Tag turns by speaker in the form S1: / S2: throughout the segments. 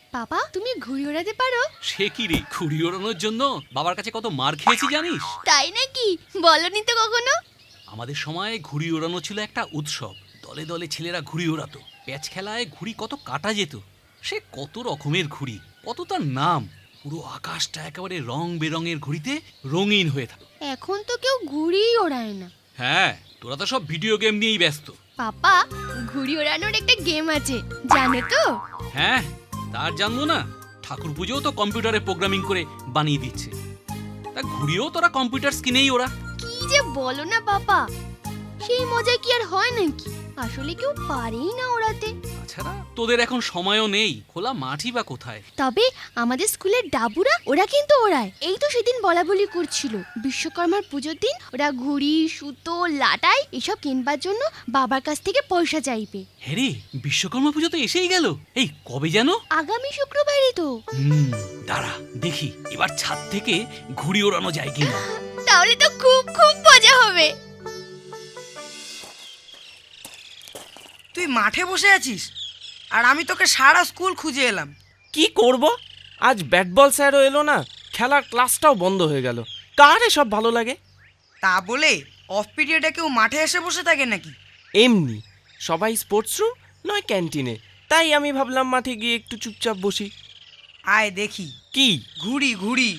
S1: বাবা তুমি ঘুড়ি ওড়াতে পারো?
S2: সে কি রে, ঘুড়ি ওড়ানোর জন্য বাবার কাছে কত মার খেয়েছি জানিস?
S1: তাই নাকি? বলনি তো কখনো।
S2: আমাদের সময় ঘুড়ি ওড়ানো ছিল একটা উৎসব। দলে দলে ছেলেরা ঘুড়ি ওড়াতো। প্যাচ খেলায় ঘুড়ি কত কাটা যেত। সে কত রকমের ঘুড়ি, কত তার নাম। পুরো আকাশটা একেবারে রং বেরঙের ঘুড়িতে রঙিন হয়ে থাকে।
S1: এখন তো কেউ ঘুড়িই ওড়ায় না।
S2: হ্যাঁ, তোরা তো সব ভিডিও গেম নিয়েই ব্যস্ত।
S1: পাপা, ঘুড়ি ওড়ানোর একটা গেম আছে, জানো তো?
S2: হ্যাঁ, তার জানবো না? ঠাকুর পুজোও তো কম্পিউটারে প্রোগ্রামিং করে বানিয়ে দিচ্ছে। তা ঘুড়িও তোরা কম্পিউটার স্ক্রিনেই ওরা।
S1: কি যে বলো না পাপা, সেই মজা কি আর হয় নাকি? আসলে কেউ পারেই না ওড়াতে।
S2: তাছাড়া তোদের এখন সময়ও নেই, খোলা মাঠই বা কোথায়।
S1: তবে আমাদের স্কুলের ডাবুরা ওরা কিন্তু ওড়ায়। এই তো সেদিন বলা বলি করছিল বিশ্বকর্মার পুজোর দিন ওরা ঘুড়ি, সুতো, লাটাই এসব কিনবার জন্য বাবার কাছ থেকে পয়সা চাইবে।
S2: হ্যাঁ রে, বিশ্বকর্মা পুজো তো এসেই গেল। এই কবে যেন?
S1: আগামী শুক্রবারই তো।
S2: দাঁড়া দেখি এবার ছাদ থেকে ঘুড়ি ওড়ানো যায় কিনা।
S1: তাহলে তো খুব খুব মজা হবে।
S3: তুই মাঠে বসে আছিস আর আমি তোকে সারা স্কুল খুঁজে এলাম।
S4: কি করব? আজ ব্যাট বল স্যারও এলো না, খেলার ক্লাসটাও বন্ধ হয়ে গেল। কার সব ভালো লাগে?
S3: তা বলে অফ পিরিয়ডে কেউ মাঠে এসে বসে থাকে নাকি?
S4: এমনি সবাই স্পোর্টস রুম নয় ক্যান্টিনে, তাই আমি ভাবলাম মাঠে গিয়ে একটু চুপচাপ বসি।
S3: আয় দেখি।
S4: কি?
S3: ঘুড়ি ঘুড়ি।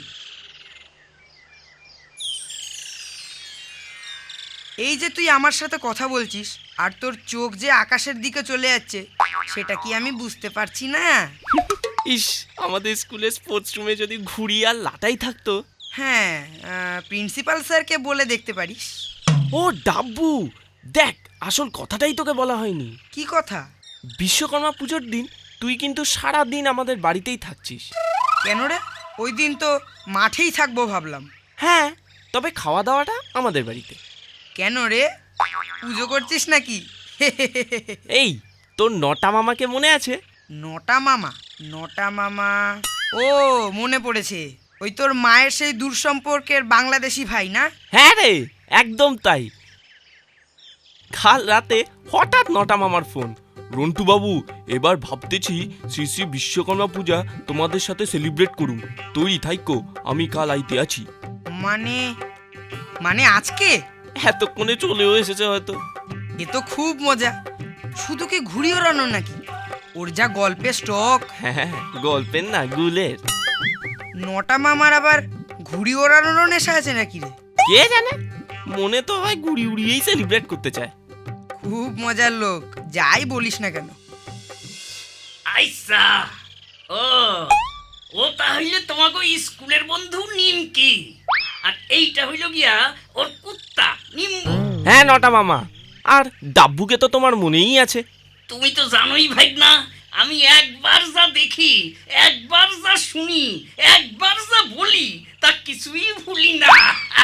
S3: এই যে তুই আমার সাথে কথা বলছিস আর তোর চোখ যে আকাশের দিকে চলে যাচ্ছে, সেটা কি আমি বুঝতে পারছি না?
S4: ইস, আমাদের স্কুলের স্পোর্টস রুমে যদি ঘুড়ি আর লাটাই থাকতো।
S3: হ্যাঁ, প্রিন্সিপাল স্যারকে বলে দেখতে পারিস।
S4: ও ডাব্বু, দেখ আসল কথাটাই তোকে বলা হয়নি।
S3: কি কথা?
S4: বিশ্বকর্মা পুজোর দিন তুই কিন্তু সারা দিন আমাদের বাড়িতেই থাকছিস।
S3: কেন রে? ওই দিন তো মাঠেই থাকবো ভাবলাম।
S4: হ্যাঁ, তবে খাওয়া দাওয়াটা আমাদের বাড়িতে।
S3: কেন রে, পুজো করছিস নাকি?
S4: এই, তোর নটা মামাকে মনে আছে?
S3: নটা মামা? নটা মামা, ও মনে পড়েছে। ওই তোর মায়ের সেই দূর সম্পর্কের বাংলাদেশি ভাই না?
S4: হ্যাঁ রে, একদম তাই। কাল রাতে হঠাৎ নটা মামার ফোন। রন্টু বাবু, এবার ভাবতেছি শ্রী শ্রী বিশ্বকর্মা পূজা তোমাদের সাথে সেলিব্রেট করুন। তৈরি থাইকো, আমি কাল আইতে আছি।
S3: মানে মানে আজকে?
S4: এতক্ষণে চলেও এসেছে হয়তো।
S3: এ তো খুব মজা। শুধু কি ঘুড়ি ওড়ানো নাকি? ওর যা গল্পের স্টক।
S4: হ্যাঁ, গল্পের না, গুলের।
S3: নটা মামার আবার ঘুড়ি ওড়ানোরও নেশা আছে নাকি রে?
S4: কে জানে, মনে তো হয় ঘুড়ি উড়িয়েই সেলিব্রেট করতে চায়।
S3: খুব মজার লোক, যাই বলিস না কেন।
S5: আইসা, ও ও তাহলে তোমাকে স্কুলের বন্ধু নিমকি, আর এইটা হইল গিয়া ওর কুত্তা নিম্বু।
S4: হ্যাঁ নটা মামা, আর ডাব্বুকে তো তোমার মনেই আছে।
S5: তুমি তো জানোই ভাই না, আমি একবার যা দেখি, একবার যা শুনি, একবার যা বলি, তা কিছুই ভুলি না।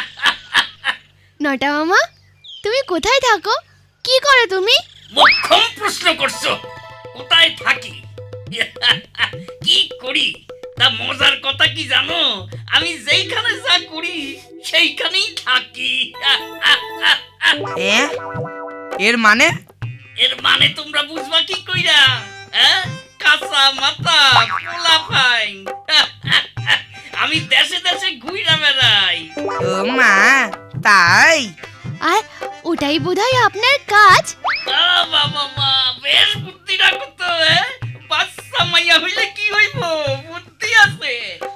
S1: নটা মামা, তুমি কোথায় থাকো? কি করো তুমি?
S5: মোক্ষম প্রশ্ন করছো, কোথায় থাকি কি করি, তা মজার কথা কি জানো, আমি যেইখানে যা করি সেইখানেই থাকি।
S3: এর মানে?
S5: এর মানে তোমরা বুঝবা কি কইরা? কাঁচা মাথা পোলা ফাইন। আমি দেশে দেশে ঘুইরা বেড়াই।
S3: ও মা, তাই?
S1: আর ওটাই বোধহয় আপনার কাজ।
S5: বাবা মা, বেশ বুদ্ধি রাখো তো। বাচ্চা মাইয়া হইলে কি হইব, বুদ্ধি আছে।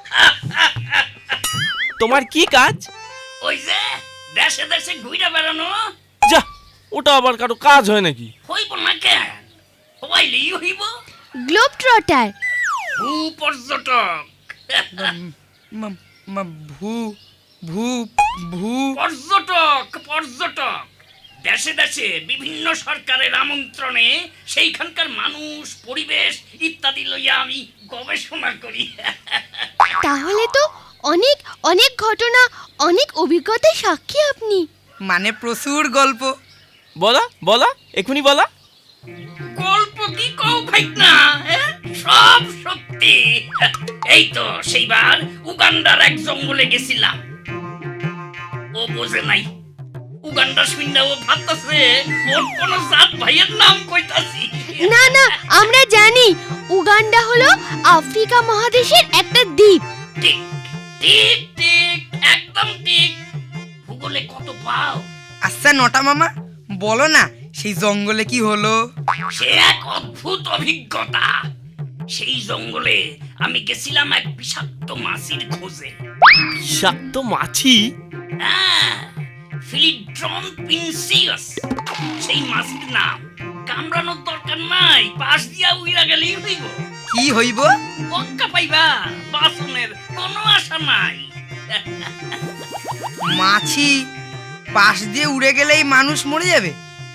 S4: তোমার কি কাজ?
S5: ওই যে দেশে দেশে ঘুইরা বেড়ানো।
S4: যা, ওটা আবার কারো কাজ হয় নাকি?
S5: হইব না কেন, হইলেই হইব।
S1: Globe trotter.
S5: ভূ পর্যটক।
S3: ভূ ভূ ভূ
S5: পর্যটক পর্যটক দেশে দেশে বিভিন্ন সরকারের আমন্ত্রণে সেইখানকার মানুষ, পরিবেশ ইত্যাদি লইয়া আমি গবেষণা করি।
S1: তাহলে তো অনেক অনেক ঘটনা, অনেক অভিজ্ঞতার সাক্ষী আপনি।
S3: মানে প্রচুর গল্প।
S4: বলা বলা, এখনই বলা।
S5: গল্প কি কও ভাই না, সব সত্যি। এই তো সেইবার উগান্ডার এক জঙ্গলে গেছিলাম। ও বোঝে নাই, উগান্ডা শুইনা ও ভাবতাছে ওর কোন জাত ভাইয়ের নাম কইতাছি।
S1: না না, আমরা জানি উগান্ডা হলো আফ্রিকা মহাদেশের একটা দ্বীপ।
S5: ঠিক ঠিক ঠিক, একদম ঠিক। ভূগোলে কত পাও?
S3: আচ্ছা নটা মামা, বলো না সেই জঙ্গলে কি হলো?
S5: সে এক অদ্ভুত অভিজ্ঞতা। সেই জঙ্গলে আমি গেছিলাম এক বিষাক্ত মাছির খোঁজে।
S4: বিষাক্ত মাছি?
S5: হ্যাঁ, ফিলিড্রন পিনসিয়াস সেই মাছির নাম। কামড়ানোর দরকার নাই, পাশ দিয়া উইরা গেলেই হইব।
S3: কি হইব?
S5: পক্কা পাইবা, বাসনের কোনো আশা নাই।
S3: মাছি পাশ দিয়ে উড়ে গেলেই মানুষ মরে যাবে?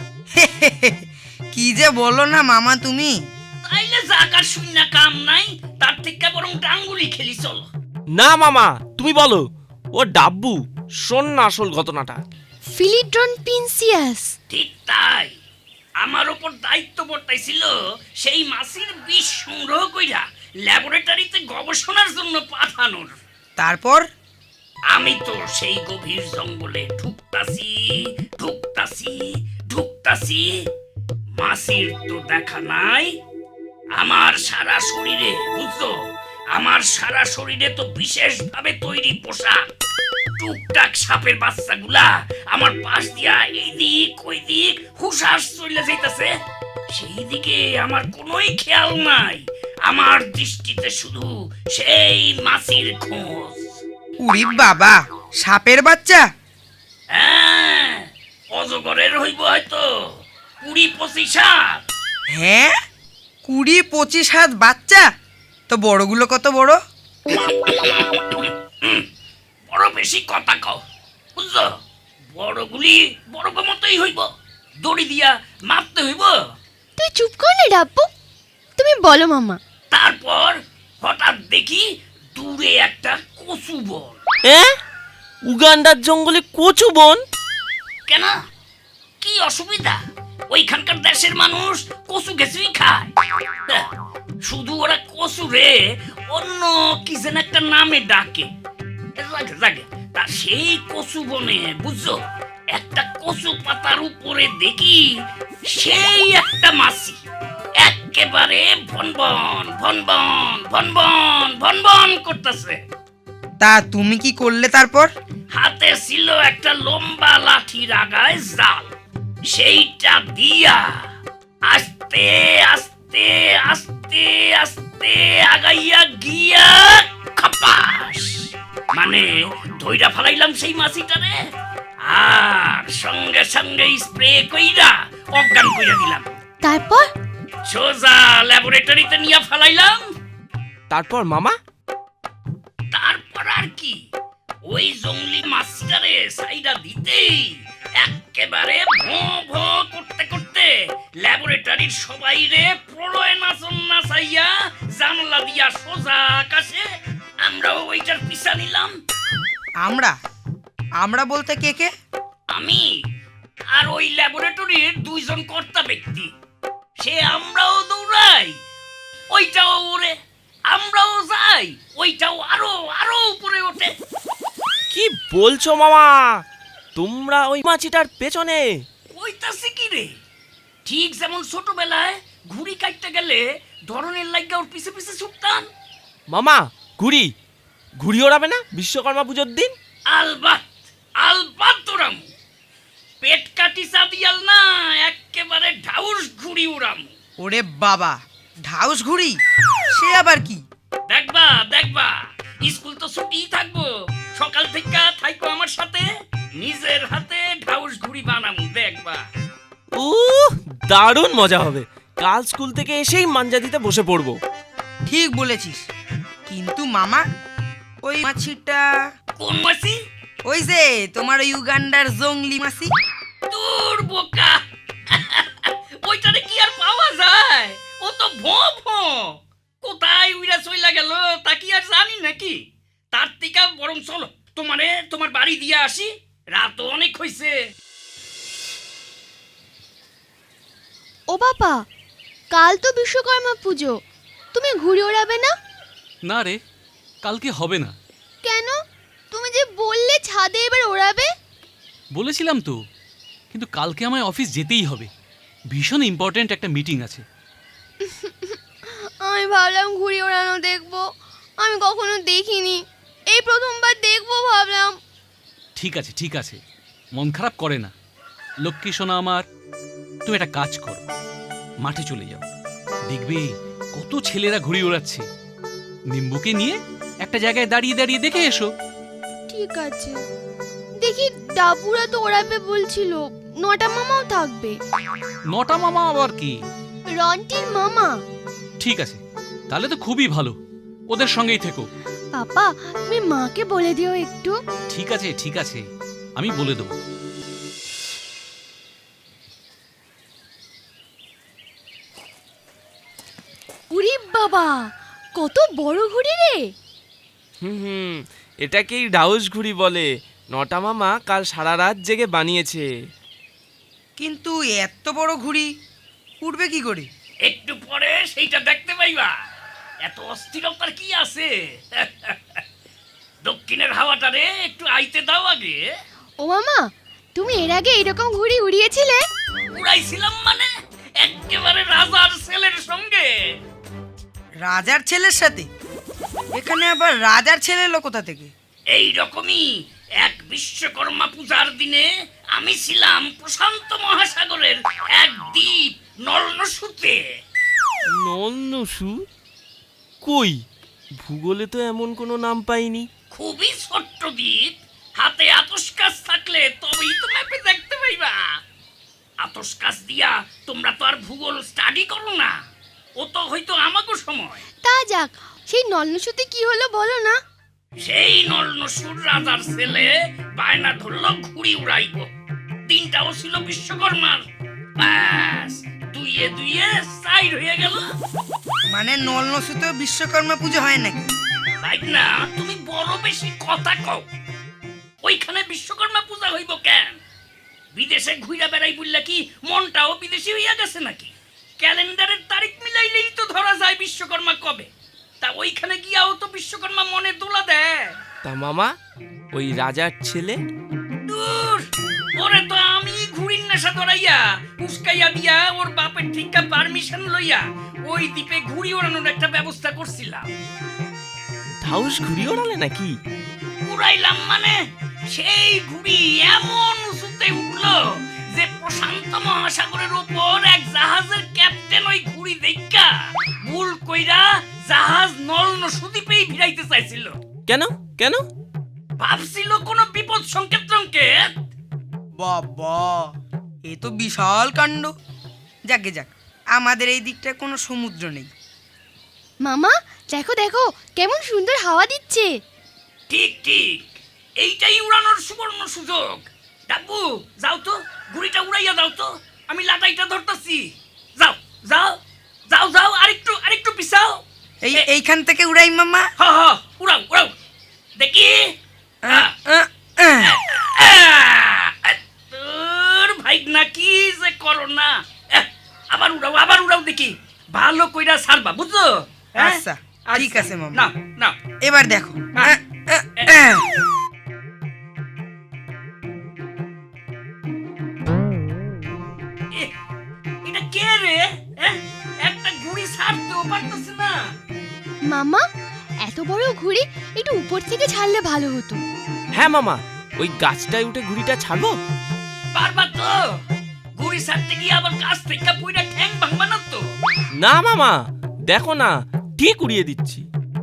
S3: কি যে বলো না মামা তুমি।
S5: তাইলে জাকার শূন্য কাম নাই, তার থেকে বরং ডাঙ্গুলি খেলি চলো।
S4: না মামা, তুমি বলো। ও ডাব্বু, শোন না আসল ঘটনাটা।
S1: ফিলিড্রন পিনসিয়াস।
S5: ঠিক তাই, আমার ওপর দায়িত্ব বর্তাইছিল সেই মাছির বিষ সংগ্রহ কইরা ল্যাবরেটরিতে গবেষণার জন্য পাঠানোর।
S3: তারপর?
S5: আমি তো সেই গভীর জঙ্গলে ঢুকতাছি ঢুকতাছি ঢুকতাছি, মাছির তো দেখা নাই। আমার সারা শরীরে, বুঝছো, আমার সারা শরীরে তো বিশেষভাবে তৈরি পোশাক। টুকটাক সাপের বাচ্চাগুলা আমার পাশ দিয়া এইদিক ওইদিক হুশাস চলে যাইতাছে। সেই দিকে আমার কোনোই খেয়াল নাই। আমার দৃষ্টিতে শুধু সেই মাছির খোঁজ।
S3: উড়ি বাবা, সাপের বাচ্চা?
S5: হ্যাঁ, অজগরের হইব হয়তো 20-25 হাত।
S3: হ্যাঁ, 20-25 হাত বাচ্চা? তো বড়গুলো কত বড়?
S5: বড় বেশি কথা কও, বুঝছো? বড়গুলি বড় মতোই হইব, দড়ি দিয়া মারতে হইব।
S1: তুই চুপ কর না ডাব্বু, তুমি বলো মামা।
S5: তারপর হঠাৎ দেখি দূরে একটা কচু বন।
S4: উগান্ডার জঙ্গলে কচু বন?
S5: কেন, কি অসুবিধা? ওইখানকার দেশের মানুষ কচু গেছুই খায়। শুধু ওরা কচু রে অন্য কি যেন একটা নামে ডাকে। জাগে তা সেই কচু বনে, বুঝছো, একটা কচু পাতার উপরে দেখি সেই একটা মাছি একেবারে ভনবন ভনবন ভনবন ভনবন করতেছে।
S3: তা তুমি কি করলে তারপর?
S5: হাতে ছিল একটা লম্বা লাঠির আগায় জাল, সেইটা দিয়া আস্তে আস্তে আস্তে আস্তে আগাইয়া গিয়া খাপাস মানে ধইরা ফালাইলাম সেই মাছিটারে, আর সঙ্গে সঙ্গে স্প্রে কইরা অজ্ঞান কইরা দিলাম।
S1: তারপর?
S5: সোজা ল্যাবরেটরিতে নিয়ে ফালাইলাম।
S4: তারপর মামা?
S5: তারপর আর কি, ওই জঙ্গলি মাছটারে সাইডা দিতেই একেবারে ভো ভো করতে করতে ল্যাবরেটরির সবাই রে প্রলয় নাচন নাচাইয়া জানলা দিয়া সোজা আকাশে। আমরাও ওইটার পিছা নিলাম।
S3: আমরা? আমরা বলতে কে কে?
S5: আমি আর ওই ল্যাবরেটরির 2 জন কর্তা ব্যক্তি। সে আমরাও দৌড়াই, ওইটাও ওরে, আমরাও যাই, ওইটাও আরো আরো উপরে ওঠে।
S4: কি বলছো মামা? তোমরা ওই মাছিটার পেছনে?
S5: কইতাছি কি রে, ঠিক যেমন ছোটবেলায় ঘুড়ি কাটতে গেলে ধরনের লাগা ওর পিছে পিছে ছুটতাম।
S4: মামা, ঘুড়ি ঘুড়ি ওড়াবে না বিশ্বকর্মা পুজোর দিন?
S5: আলবাত আলবাত ওরাম, পেট কাটি চাঁদিয়াল না, একেবারে ঢাউস ঘুড়ি উড়াম।
S3: ওরে বাবা, ঢাউস ঘুড়ি? সে আবার কি?
S5: দেখবা দেখবা, স্কুল তো ছুটি থাকবো, সকাল থেকে থাইকো আমার সাথে, নিজের হাতে ঢাউস ঘুড়ি বানামু, দেখবা।
S4: দারুণ মজা হবে। কাল স্কুল থেকে এসেই মাঞ্জা দিতে বসে পড়বো।
S3: ঠিক বলেছিস, কিন্তু মামা ওই মাছিটা?
S5: কোন মাছি?
S3: ওই যে তোমার ওই উগান্ডার জঙ্গলি মাছি।
S5: তোর বোকা, ওইটারে কি আর পাওয়া যায়? ও তো ভো ভো, কোথায় উইরা চইলা গেল তা কি আর জানি নাকি? তার থেকে বরং চলো তোমার বাড়ি দিয়ে আসি, রাত অনেক হইছে।
S1: ও বাবা, কাল তো বিশ্বকর্মা পুজো, তুমি ঘুড়ি ওড়াবে না?
S2: না রে, কালকে হবে না।
S1: কেন? তুমি যে বললে ছাদে এবার ওড়াবে।
S2: বলেছিলাম তো, কিন্তু কালকে আমায় অফিস যেতেই হবে, ভীষণ ইম্পর্ট্যান্ট একটা মিটিং আছে।
S1: আমি ভাবলাম ঘুড়ি ওড়ানো দেখবো, আমি কখনো দেখিনি, এই প্রথমবার দেখবো ভাবলাম।
S2: ঠিক আছে ঠিক আছে, মন খারাপ করে না। লক্ষ্মী সোনা আমার, তুমি একটা কাজ করো, মাঠে চলে যাও, দেখবে কত ছেলেরা ঘুড়ি ওড়াচ্ছে। নিম্বুকে নিয়ে একটা জায়গায় দাঁড়িয়ে দাঁড়িয়ে দেখে এসো।
S1: ঠিক আছে, দেখি ডাবুরা তো ওড়াবে বলছিল, নটা মামাও থাকবে।
S2: নটা মামা আবার কি?
S1: রন্টির মামা।
S2: ঠিক আছে, তাহলে তো খুবই ভালো, ওদের সঙ্গেই থেকো।
S1: পাপা, তুমি মাকে বলে দিও একটু।
S2: ঠিক আছে ঠিক আছে, আমি বলে দেবো।
S1: উরি বাবা, কত বড় ঘুড়ি রে!
S4: হুম, এটাকেই ডাউস ঘুড়ি বলে। নটা মামা কাল সারা রাত জেগে বানিয়েছে।
S3: কিন্তু এত বড় ঘুড়ি উঠবে কি করে?
S5: একটু পরে সেইটা দেখতে পাইবা। এত অস্থিরতার কি আছে? দক্ষিণের হাওয়াটারে একটু আইতে দাও আগে।
S1: ও মামা, তুমি এর আগে এরকম ঘুড়ি উড়িয়েছিলে?
S5: উড়াইছিলাম মানে একেবারে রাজার ছেলের সঙ্গে।
S3: রাজার ছেলের সাথে? এখানে আবার রাজার ছেলে এলো কোথা থেকে?
S5: এই রকমই এক বিশ্বকর্মা পূজার দিনে আমি ছিলাম প্রশান্ত মহাসাগরের এক দ্বীপ নলনসুতে।
S4: নলনসু? কই, ভূগোলে তো এমন কোনো নাম পাইনি।
S5: খুবই ছোট্ট দ্বীপ, হাতে আতস কাজ থাকলে তবেই তো ম্যাপে দেখতে পাইবা। আতস কাজ দিয়া তোমরা তো আর ভূগোল স্টাডি করো না, ও তো হয়তো আমাকে সময়।
S1: তা যাক, সেই নলনসুতে কি হলো বলো না।
S5: সেই নলনসুর রাজার ছেলে বায়না ধরলো ঘুড়ি উড়াইব। দিনটাও ছিল বিশ্বকর্মার, ব্যাস দুইয়ে দুইয়ে সাইড হয়ে গেল।
S3: মানে নলনসুতে বিশ্বকর্মা পুজো হয় নাকি?
S5: তাই না, তুমি বড় বেশি কথা কও। ওইখানে বিশ্বকর্মা পূজা হইব কেন? বিদেশে ঘুরে বেড়াই বললা কি মনটাও বিদেশি হইয়া গেছে নাকি? ক্যালেন্ডারের তারিখ মিলাইলেই তো ধরা যায় বিশ্বকর্মা কবে। তা ওইখানে গিয়াও তো বিশ্বকর্মা মনে দোলা দেয়।
S4: তা মামা, ওই রাজার ছেলে?
S5: দূর, ওরে তো আমি ঘুড়ির নেশা ধরাইয়া উস্কাইয়া দিয়া ওর বাপের ঠিকা পারমিশন লইয়া ওই দ্বীপে ঘুড়ি ওড়ানোর একটা ব্যবস্থা করছিলাম।
S4: ডাউস ঘুড়ি ওড়ালে নাকি?
S5: উড়াইলাম মানে সেই ঘুড়ি এমন উঁচুতে উঠলো যে প্রশান্ত মহাসাগরের উপর এক জাহাজের ক্যাপ্টেন ওই ঘুড়ি দেখা ভুল কইরা জাহাজ নলনসু দ্বীপেই ভিড়াইতে চাইছিল।
S4: কেন কেন?
S5: ভাবছিল কোনো বিপদ সংকেত।
S3: বাবা, এ তো বিশাল কাণ্ড। যাকে যাক, আমাদের এই দিকটা কোনো সমুদ্র নেই।
S1: মামা, দেখো দেখো কেমন সুন্দর হাওয়া দিচ্ছে।
S5: ঠিক ঠিক, এইটাই উড়ানোর সুবর্ণ সুযোগ। ডাব্বু, যাও তো, ঘুড়িটা উড়াইয়া দাও তো, আমি লাটাইটা ধরতাছি। যাও যাও যাও যাও, আরেকটু পিছাও।
S3: এইখান থেকে উড়াই মামা।
S5: হ হ, উড়াও উড়াও দেখি। তোর ভাই নাকি যে করো না। আবার উড়াও দেখি, ভালো কইরা ছাড়বা, বুঝছো?
S3: আচ্ছা, ঠিক আছে মামা।
S5: না না,
S3: এবার দেখো।
S5: এটা কে রে? একটা ঘুড়ি ছাড়তেও পারতেছে না।
S1: মামা, এত বড় ঘুড়ি একটু উপর থেকে ছাড়লে ভালো হতো।
S4: হ্যাঁ মামা, ওই গাছটায় উঠে ঘুড়িটা ছাড়বো।
S5: পারবা তো? ঘুড়ি ছাড়তে গিয়ে আবার গাছ থেকে পুইরা ঠ্যাং ভাঙবা না তো?
S4: না মামা, দেখো না, ঠিক উড়িয়ে দিচ্ছি।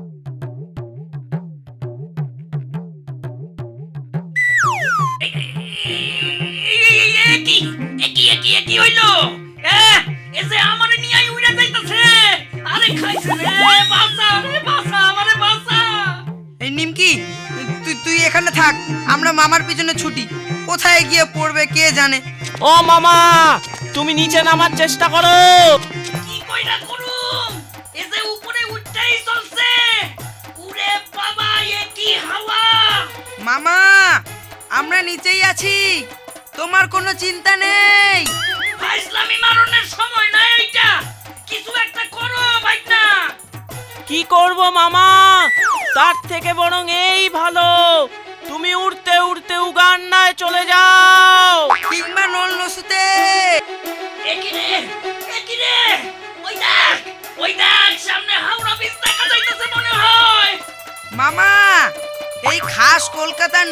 S5: কি হইলো? এ যে আমারে নিয়ে উইরা যাইতাছে। আরে খাইছে রে, বাঁচা রে, বাঁচা, আমারে বাঁচা।
S3: এই নিমকি, তুই এখানে থাক, আমরা মামার পিছনে ছুটি। কোথায় গিয়ে পড়বে কে জানে।
S4: ও মামা, তুমি নিচে নামার চেষ্টা করো।
S5: কি কইরা করুম? এ যে উপরে উঠতেই চলছে। উরে বাবা, এ কি হাওয়া!
S3: মামা, আমরা নিচেই আছি, তোমার কোনো চিন্তা নেই।
S5: ফাইজলামি মারনের সময় না এইটা, কিছু একটা করো ভাইনা।
S4: কি করব মামা, তার থেকে বরং এই ভালো, তুমি উড়তে উড়তে উগান্ডায় চলে যাও।
S3: কিংবা নল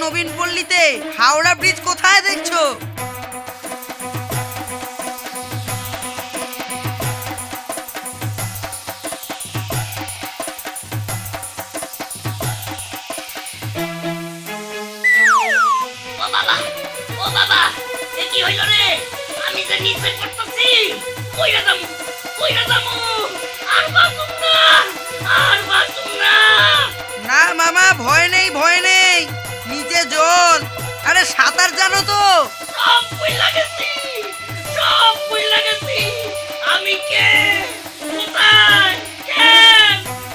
S3: নবীন পল্লীতে হাওড়া ব্রিজ কোথায় দেখছো?
S5: ও বাবা, ও বাবা, এ কি হইল রে? আমি যে নিচে পড়তেছি, কইরা যামু, কইরা যামু, আর বাঁচুম না, আর বাঁচুম না।
S3: না মামা, ভয় নেই, ভয় নেই, নিচে জল। আরে সাঁতার জানো তো?
S5: সব ভুইলা গেছি, সব ভুইলা গেছি। আমি কে, কোথায়, কেন?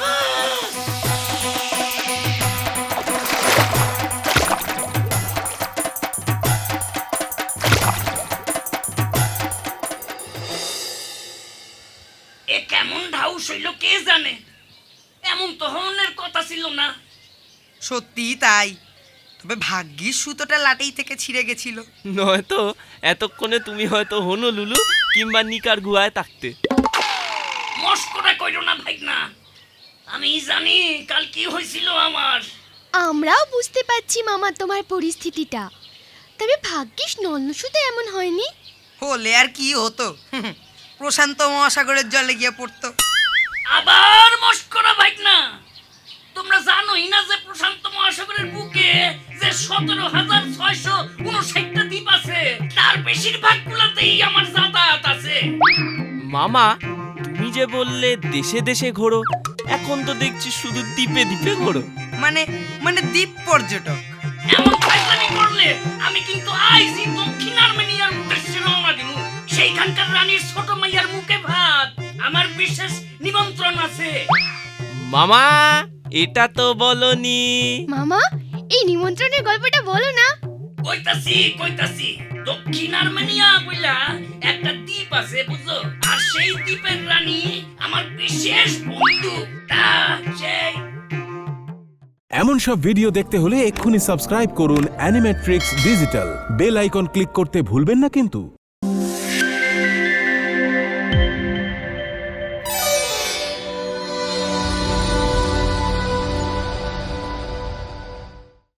S5: এ কেমন ঢাউ হইল কে জানে? এমন তো হনের কথা ছিল না।
S3: সত্যি তাই, তবে ভাগ্যিস সুতোটা লাটেই থেকে ছিঁড়ে গেছিল।
S4: নয়তো এতক্ষণে তুমি হয়তো হনলুলু কিংবা নিকার গুহায় থাকতে।
S5: মস্করা কইরো না ভাই না। আমি জানি কাল কি হয়েছিল আমার।
S1: আমরাও বুঝতে পারছি মামা তোমার পরিস্থিতিটা, তবে ভাগ্যিস নন্নসুতে এমন হয়নি।
S3: হলে আর কি হতো, প্রশান্ত মহাসাগরের জলে গিয়ে পড়তো।
S5: আবার মস্করা ভাই না। তোমরা জানোই না যে প্রশান্ত মহাসাগরের বুকে যে 17,659টা দ্বীপ আছে, তার বেশিরভাগ গুলাতেই আমার যাতায়াত আছে।
S4: মামা, তুমি যে বললে দেশে দেশে ঘোরো, এখন তো দেখছি শুধু দ্বীপে দ্বীপে ঘোরো।
S3: মানে মানে দ্বীপ পর্যটক।
S5: এমন ফাইজলামি করলে আমি কিন্তু আইজি দক্ষিণ আর্মেনিয়ার উদ্দেশ্যে রওনা দিব। সেইখানকার রানীর ছোট মাইয়ার মুখে ভাত, আমার বিশেষ নিমন্ত্রণ আছে।
S4: মামা, এটা তো বলনি।
S1: মামা, এই নিমন্ত্রণের গল্পটা বলো না।
S5: কইতাছি কইতাছি, দক্ষিণ আর্মেনিয়া বইলা একটা দ্বীপ আছে বুঝছো, আর সেই দ্বীপের রানী আমার বিশেষ বন্ধু। তা সেই
S6: এমন সব ভিডিও দেখতে হলে এক্ষুনি সাবস্ক্রাইব করুন Animetrix digital. Bell icon click করতে ভুলবেন না কিন্তু।